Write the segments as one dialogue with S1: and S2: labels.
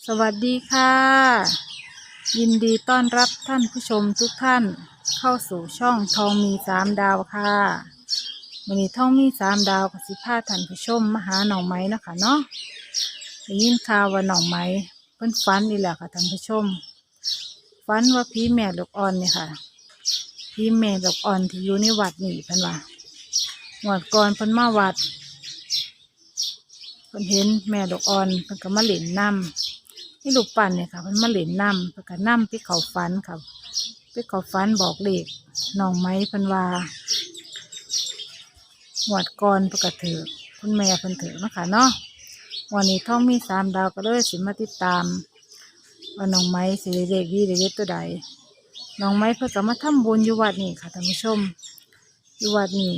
S1: สวัสดีค่ะยินดีต้อนรับท่านผู้ชมทุกท่านเข้าสู่ช่องทองมี3 ดาวค่ะวันนี้ทองมี3 ดาวกับสิพาท่านผู้ชมมาหาหน่อไม้นะคะเนาะได้ยินข่าวว่าหน่อไม้เพิ่นฝันนี่แหละค่ะท่านผู้ชมฝันว่าผีแม่ลูกอ่อนเนี่ยค่ะผีแม่ลูกอ่อนที่อยู่ในวัดนี่เพิ่นว่างวดก่อนเพิ่นมาวัดเพิ่นเห็นแม่ลูกอ่อนเพิ่นก็มาเล่นน้ำ นี่ลูกปั่นเนี่ยค่ะมันมาเล่นน้ำเพื่อกันน้ำไปเขาฟันค่ะไปเขาฟันบอกเลขน้องไม้เพิ่นว่าหวดก่อนเพื่อกระถือคุณแม่เพิ่นถือนะคะเนาะวันนี้ท้องมี3 ดาวก็เลยสิมาติดตามว่าน้องไม้สิได้เลขดีได้เลขตัวใดน้องไม้เพิ่นก็มาทำบุญอยู่วัดนี่ค่ะท่านผู้ชมอยู่วัดนี่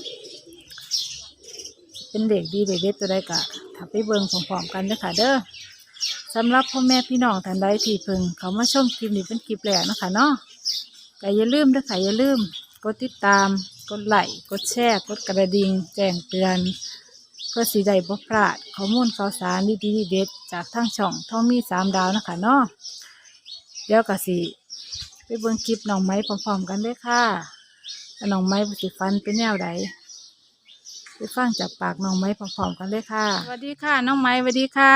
S1: เป็นเลขดีได้เลขตัวใดกะถ้าไปเบิ่งพร้อมๆกันเด้อค่ะเด้อสำหรับพ่อแม่พี่น้องท่านใดที่เพิ่งเขามาชมคลิปนี้เป็นคลิปแรกนะคะเนาะก็อย่าลืมนะคะอย่าลืมกดติดตามกดไลค์กดแชร์กดกระดิ่งแจ้งเตือนเพื่อสิได้บ่พลาดข้อมูลข่าวสารดีๆเด็ดจากทางช่องทองมี3 ดาวนะคะเนาะเดี๋ยวก็สิไปเบิ่งคลิปน้องไม้พร้อมๆกันเลยค่ะว่าน้องไม้สิฟันเป็นแนวใดไปฟังจากปากน้องไม้พร้อมๆกันเลยค่ะสวัสดีค่ะน้องไม้สวัสดีค่ะ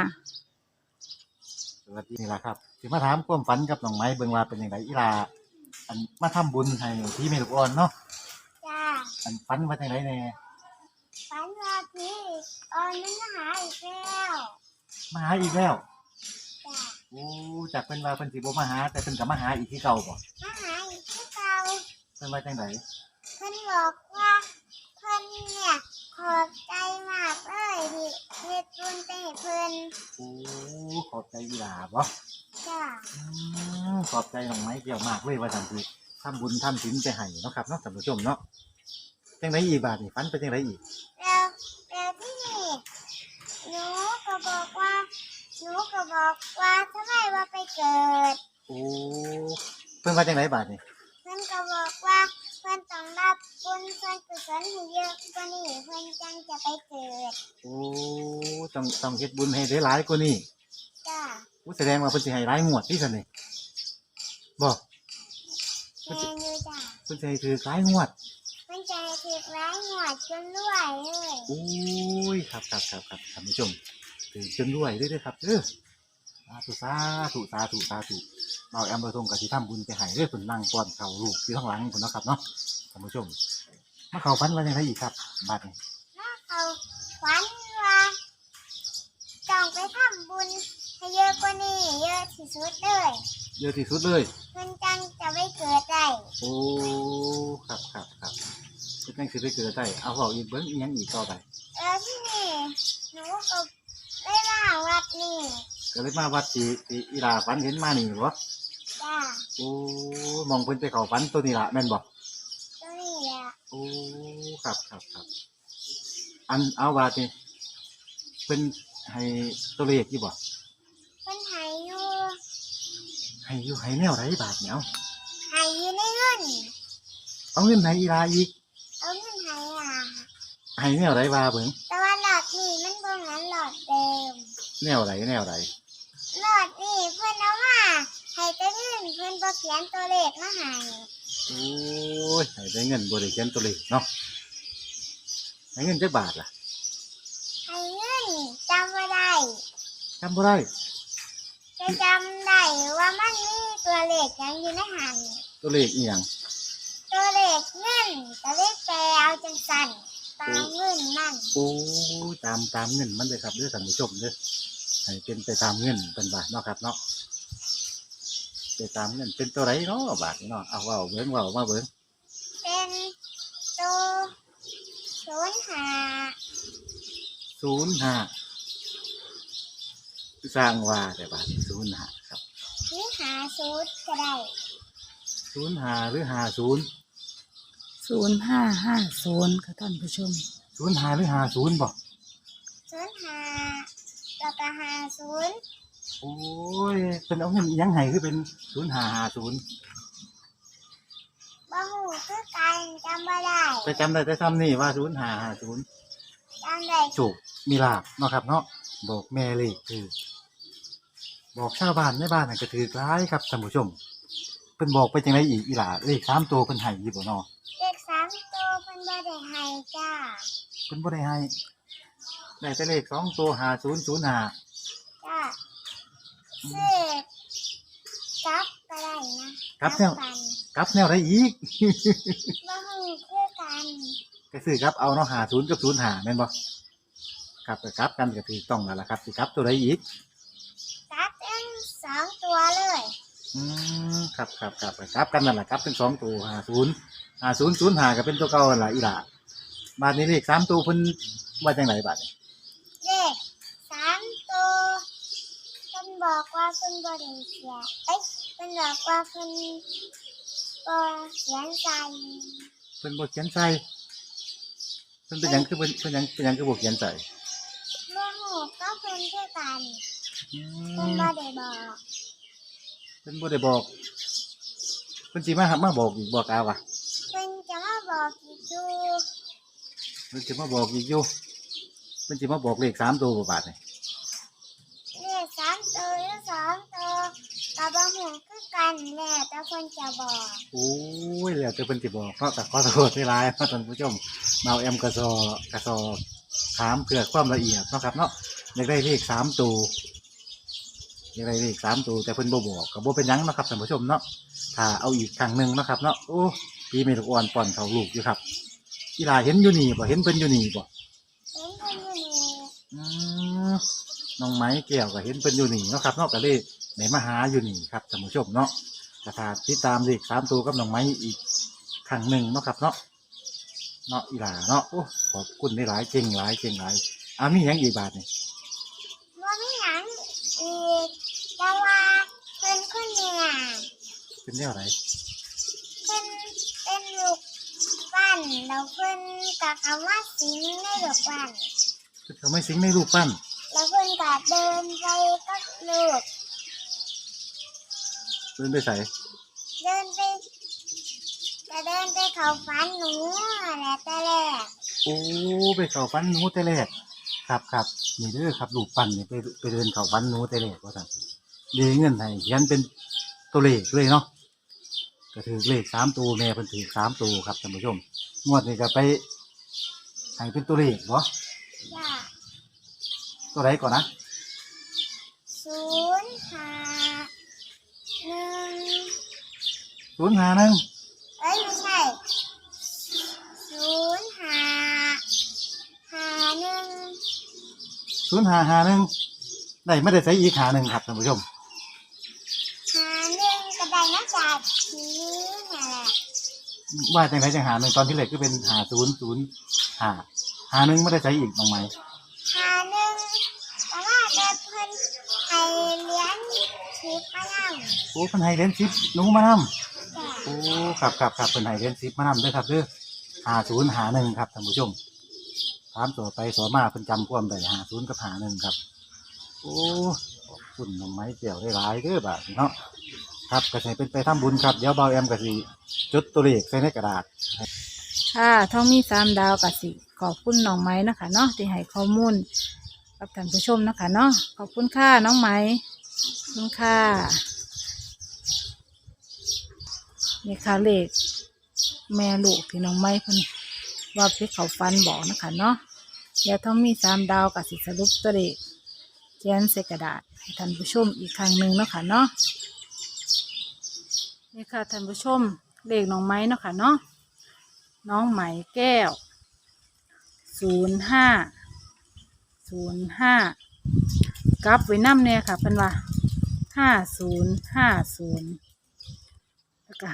S2: สวัสดีนี่ล่ะครับสิมาถามความฝันกับน้องไม้เบิ่งว่าเป็นยังไงอีลาอันมาทำบุญให้พี่เมลูกอ่อนเนาะ
S3: จ้า
S2: อันฝันว่าจังไดแน่
S3: ฝันว่าพี่ออนมันมาหาอีกแล้ว
S2: มาหาอีกแล้ว
S3: จ้า
S2: โอ้จากเพิ่นว่าเพิ่นสิบ่มาหาแต่เพิ่นก็มาหาอีกที่เก่าบ่
S3: มาหาอีกที่เก่า
S2: เพิ่นว่าจังได
S3: เพิ่นบอกว่าเพิ่นเนี่ยขอบใจมากเลยที่เฮ็ดบุญไปให้เพิ่น
S2: โอ้ขอบใจอีลาบ่
S3: จ้า
S2: ขอบใจน้องไม้เกี่ยวมากเลยว่าจังซี่ทำบุญทำศีลไปให้เนาะครับเนาะท่านผู้ชมเนาะจังไดอีกบาดนี่ฝันเป็นจังไดอีก
S3: แล้วที่นี่หนูก็บอกว่าทำไมว่าไปเกิด
S2: โอ้เพิ่นว่าจังไดบาดนี่
S3: เพิ่นก็บอกว่าเพิ่นต้องรับบุญส่วนกุศลให้เยอะกว่านี้เพิ่นจังจะไปเกิด
S2: โอ้ต้องเฮ็ดบุญให้ได้หลายกว่านี้
S3: จ้า
S2: แสดงว่าเพิ่นสิให้หลายงวดที่ซั่นนี่บ่
S3: แม่อยู่จ้า
S2: เพิ่นสิให้ถือหลายงวด
S3: มันใจถึกร้ายหวดจนรวยเลย
S2: โอ้ยครับท่านผู้ชมถือจนรวยด้วยครับสาธุเบาแอมเบอร์ทงกับที่ทำบุญไปให้เด้อเพิ่นนั่งป้อนข้าวลูกที่ข้างหลังเพิ่นเนาะครับเนาะท่านผู้ชมมาเข้าฝันว่าจังไดอีกครับบัดนี้
S3: ถ้าเขาฝันว่าต้องไปทำบุญให้เยอะกว่านี้เยอะที่สุดเลย
S2: เยอะที่สุดเลย
S3: เพิ่นจังจะไม่เกิดได้
S2: โอ้ครับเพิ่นจังสิได้เกิดได้เอาเว้าอีกเบิ่งอีหยังอีกต่อไป
S3: แล้วที่นี่หนูก็ได้มาวัดนี่
S2: ก็เลยมาวัดที่อีหลาฝันเห็นมานี่บ่
S3: จ้า
S2: โอ้มองเพิ่นไปเข้าฝันตัวนี้ล่ะแม่นบ่
S3: ตัวนี้แหละ
S2: โอ้ครับอันเอาว่านี่เพิ่นให้ตัวเลขอยู่บ่
S3: เพิ่นให้อยู่
S2: ให้แนวไรบาทเนี่ย
S3: ให้อยู่ในเงิน
S2: เอาเงินให้อีลาอีก
S3: เอาเงินให้
S2: ให้แนวไรบาเบิ่ง
S3: แต่ว่าหลอดนี่มันบ่เหมือนหลอดเดิม
S2: แนวไร
S3: หลอดนี่เพิ่นเอามาให้แต่เงินเพิ่นบ่เขียนตัวเลขมาให้
S2: โอ้ยให้ได้เงินบ่ได้เขียนตัวเลขเนาะให้เงินจักบาทล่ะ
S3: ให้เงินจำบ่ได้จะจำได้ว่ามันมีตัวเลขหยังอยู่ในหัน
S2: ตัวเลขอีหยัง
S3: ตัวเลขเงินตัวเลขแปลเอาจังซั่นตามเงินนั่น
S2: โอ้ตามเงินมันเลยครับเด้อท่านผู้ชมเด้อให้เป็นไปตามเงินเป็นบาทเนาะครับเนาะไปตามเงินเป็นตัวไรเนาะบาทเนาะเอาว่าเบิ่งว่ามาเบิ่ง
S3: เป็นตัว
S2: 05สร้างว่าแต่บาท05ครับ
S3: หรือ50ก็ได้
S2: 05หรือ50
S1: 0550ค่ะท่านผู้ชม
S2: 05หรือ50บ่
S3: 05แล้วก็50
S2: โอ้ยเป็นเอาเงินอีหยังให้คือเป็น0550
S3: บ่ฮู้คือกันจำบ่ได้
S2: แต่จำได้แต่ซ้ำนี่ว่า0550
S3: จำได้
S2: โชคมีลาภเนาะครับเนาะบอกแม่เลขคือบอกชาวบ้านในบ้านนั่นก็ถือร้ายครับท่านผู้ชมเพิ่นบอกไปจังไดอีกอีหล่าเลข3ตัวเพิ่นให้อยู่บ่เนาะ
S3: เลข3ตัวเพิ่นบ่ได้ให้จ้า
S2: เพิ่นบ่ได้ให้ได้แต่เลข2ตัว5005
S3: จ้าซื้อกลับก็ได้นะ
S2: กลับแนว
S3: กัน
S2: กลับแนวใดอีก
S3: บ่ฮู้คือกัน
S2: ก็ซื้อกลับเอาเนาะ50กับ05แม่นบ่ครับก็กลับกันก็ถูกต้องแล้วล่ะครับสิกลับตัวใดอีก
S3: กลับทั้ง2ตัวเลย
S2: ครับก็กลับกันนั่นล่ะครับทั้ง2ตัว5005ก็เป็นตัวเก่านั่นล่ะอีหล่าบาดนี้เลข3ตัวเพิ่นว่าจังไดบาดนี้
S3: เลข3ตัวเพิ่นบอกว่าเพิ่นบ่ได้เขียนเพิ่นบอกว่าเพิ่นบ่เขียนใส่
S2: เพิ่นบ่เขียนใส่เพิ่นเป็นหยังคือเพิ่นคือบ่เขียนใส่
S3: บ่ฮู้ก็เพิ่นคือกัน
S2: อื
S3: เพิ่น
S2: ม
S3: บ่ได้บอก
S2: เพิ่นบ่ได้บอกเพิ่นสิมาบอกอีกบอกเอาว่ะ
S3: เพิ่นจะมาบอกอีกอยู่
S2: เพิ่นสิมาบอกอีกอยู่เพิ่นสิมาบอกเลข3ตัวบ่บาดนี่
S3: เลข3ตัวหรือ2ตัวก็บ่ฮู้คือกันแหละแต่เพิ่นจะบอก
S2: โอ้ยแล้วแต่เพิ่นสิบอกเนาะแต่ขอโทษหลายๆเนาะท่านผู้ชมเมาแอมกระซอถามเพื่อความละเอียดเนาะครับเนาะอยากได้เลข3ตัวอยากได้เลข3ตัวแต่เพิ่นบ่บอกก็บ่เป็นหยังเนาะครับท่านผู้ชมเนาะถ้าเอาอีกครั้งหนึงเนาะครับเนาะโอ้พี่เมลูกอ่อนป้อนเขาลูกอยู่ครับอีหลาเห็นอยู่นี่บ่เห็นเพิ่นอยู่นี่บ่
S3: เห็นเพิ่นอยู่นี่
S2: อืมน้องไม้แก้วก็เห็นเพิ่นอยู่นี่เนาะครับเนาะก็เลยได้มาหาอยู่นี่ครับท่านผู้ชมเนาะก็ถ้าติดตามเลข3ตัวกับน้องไม้อีกครั้งหนึ่งเนาะครับเนาะอีหลาเนาะโอ้ขอบคุณหลายๆเก่งหลายมีหยังอีกบาทนี่
S3: บ่มีหยังอีกแต่ว่าเพิ่นคนเนี่ย
S2: เป็นแนวไหน
S3: เพิ่นเป็นลูกปั้นแล้วเพิ่นก็เข้ามาสิงในลูกปั้น
S2: เพิ่นเขาไม่สิงในรูปปั้น
S3: แล้วเพิ่นก็เดินไปกับลูก
S2: เพิ่นไปใส่
S3: เดินไปเข้าฝันหนูแหละแต่แรก
S2: โอ้ไปเข้าฟันหนูแต่แรกครับนี่เด้อครับรูปปั้นนี่ไปเดินเข้าฟันหนูแต่แรกว่าซั่นเด้เงินให้เขียนเป็นตัวเลขเลยเนาะ ก็ถือเลข3ตัวแม่เพิ่นถือ3ตัวครับท่านผู้ชมงวดนี้ก็ไปให้เป็นตัวเลขบ่
S3: จ้า
S2: ตัวใดก่อนนะ
S3: 051
S2: 051
S3: เอ้ยไม่ใช่
S2: 0551ได้ไม่ได้ใส่อีกหาหนึ่งครับท่านผู้ชม
S3: 51ก็ได้มาจากผีนี่แหละ
S2: ว่าจังไดจังหาหนึ่งตอนที่เลขก็เป็น5005หาหนึ่งไม่ได้ใส่อีกตรงไหม
S3: 51แต่ว่าเด็กเพิ่นให้เลี้ยงชิปมานั่ง
S2: โอ้เพิ่นให้เหรียญ10หนูมานำ
S3: จ้ะ
S2: โอ้ครับเพิ่นให้เหรียญ10มานำเด้อครับเด้อ5051ครับท่านผู้ชมถามต่อไปต่อมาเพิ่นจำความได้50กับ51ครับโอ้ขอบคุณน้องไม้แก้วได้หลายเด้อบาดนี้เนาะครับก็ให้เป็นไปทำบุญครับเดี๋ยวเบาแอมก็สิจดตัวเลขใส่ในกระดาษ
S1: ค่ะท้องมี3ดาวกับสิขอบคุณน้องไม้นะคะเนาะที่ให้ข้อมูลกับท่านผู้ชมนะคะเนาะขอบคุณค่ะน้องไม้ขอบคุณค่ะนี่ค่ะเลขแม่ลูกที่น้องไม้เพิ่นว่าไปเขาฟันบอกนะคะเนาะเดี๋ยวท้องมี3ดาวกับสิสรุปตัวเลขเขียนใส่กระดาษให้ท่านผู้ชมอีกครั้งหนึ่งเนาะค่ะเนาะนี่ค่ะท่านผู้ชมเลขน้องไม้เนาะค่ะเนาะน้องไหมแก้ว05กลับไว้น้ำเนี่ยค่ะเป็นว่า5050แล้วก็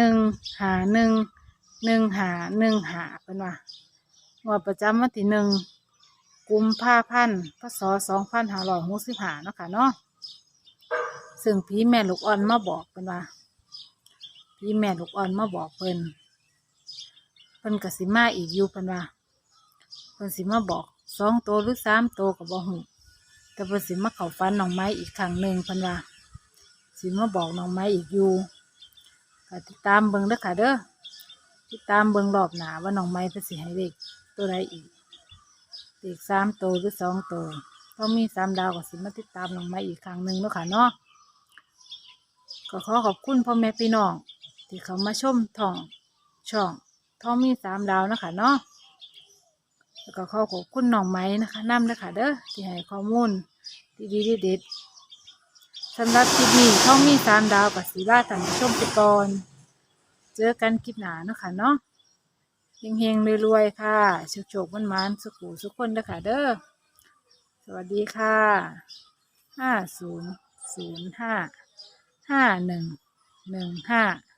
S1: 5115เป็นว่างวดประจำวันที่1 กุมภาพันธ์ พ.ศ. 2565เนาะค่ะเนาะซึ่งพี่แม่ลูกอ่อนมาบอกเป็นว่าพี่แม่ลูกอ่อนมาบอกเพิ่นก็สิมาอีกอยู่เพิ่นว่าเพิ่นสิมาบอก2ตัวหรือ3ตัวก็บ่ฮู้แต่เพิ่นสิมาเข้าฝันน้องไม้อีกครั้งหนึ่งเพิ่นว่าสิมาบอกน้องไม้อีกอยู่ก็ติดตามเบิ่งเด้อค่ะเด้อติดตามเบิ่งรอบหน้าว่าน้องไม้เพิ่นสิให้เลขตัวใดอีกเลข3ตัวหรือ2ตัวต้องมีสามดาวก็สิมาติดตามน้องไม้อีกครั้งหนึ่งเนาะค่ะเนาะก็ขอขอบคุณพ่อแม่พี่น้องที่เขามาชมช่องท้องมีสามดาวนะคะเนาะแล้วก็ขอขอบคุณน้องไม้นะคะนำนะคะเด้อที่ให้ข้อมูลดีๆเด็ดๆสำหรับคลิปนี้ท้องมีสามดาวกับสีลาท่านผู้ชมไปก่อนเจอกันคลิปหน้าเนาะค่ะเนาะเฮงๆรวยๆค่ะโชคๆมันๆสุขคนเด้อค่ะเด้อสวัสดีค่ะ50055115